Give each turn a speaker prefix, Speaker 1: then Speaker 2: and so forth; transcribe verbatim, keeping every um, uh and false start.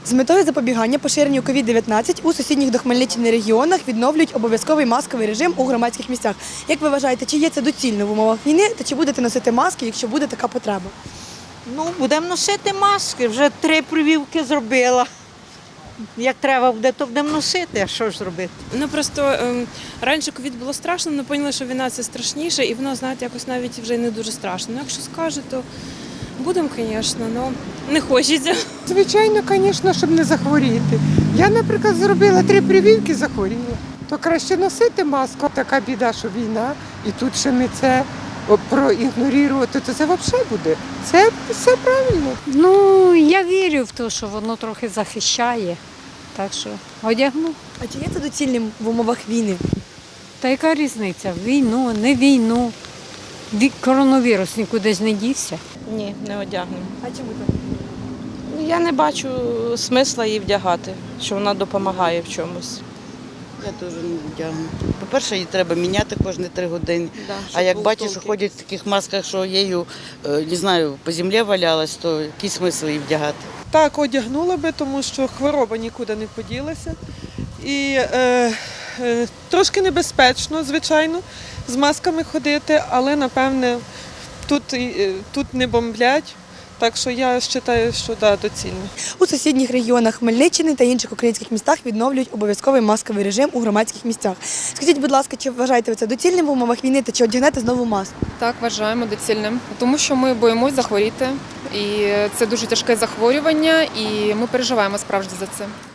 Speaker 1: З метою запобігання поширенню ковід дев'ятнадцять у сусідніх до Хмельниччини регіонах відновлюють обов'язковий масковий режим у громадських місцях. Як ви вважаєте, чи є це доцільно в умовах війни, та чи будете носити маски, якщо буде така потреба?
Speaker 2: Ну, будемо носити маски, вже три прививки зробила. Як треба буде, то будемо носити, а що ж зробити?
Speaker 3: Ну просто ем, раніше ковід було страшно, але поняли, що війна це страшніше, і воно, знаєте, якось навіть вже не дуже страшно. Ну, якщо скажуть, то будемо, звісно, але не хочеться.
Speaker 4: Звичайно, звісно, щоб не захворіти. Я, наприклад, зробила три прививки, захворіла. То краще носити маску. Така біда, що війна, і тут ще ми це проігнорувати, то це взагалі буде. Це все правильно.
Speaker 5: Ну, я вірю в те, що воно трохи захищає, так що одягну.
Speaker 1: А чи є це доцільним в умовах війни?
Speaker 5: Та яка різниця? Війну, не війну. Ві- Коронавірус нікуди ж не дівся.
Speaker 6: Ні, не одягнемо.
Speaker 1: А чому так?
Speaker 6: Я не бачу смисла її вдягати, що вона допомагає в чомусь.
Speaker 7: Я теж не вдягну. По-перше, її треба міняти кожні три години.
Speaker 6: Да,
Speaker 7: А як
Speaker 6: був
Speaker 7: бачиш, що
Speaker 6: толк.
Speaker 7: ходять в таких масках, що її, не знаю, по землі валялась, то який смисл її вдягати?
Speaker 8: Так, одягнула би, тому що хвороба нікуди не поділася. І е, е, трошки небезпечно, звичайно, з масками ходити, але, напевне, тут, е, тут не бомблять. Так що я вважаю, що да, доцільно.
Speaker 1: У сусідніх регіонах Хмельниччини та інших українських містах відновлюють обов'язковий масковий режим у громадських місцях. Скажіть, будь ласка, чи вважаєте ви це доцільним в умовах війни та чи одягнете знову маску?
Speaker 9: Так, вважаємо доцільним, тому що ми боїмось захворіти, і це дуже тяжке захворювання, і ми переживаємо справді за це.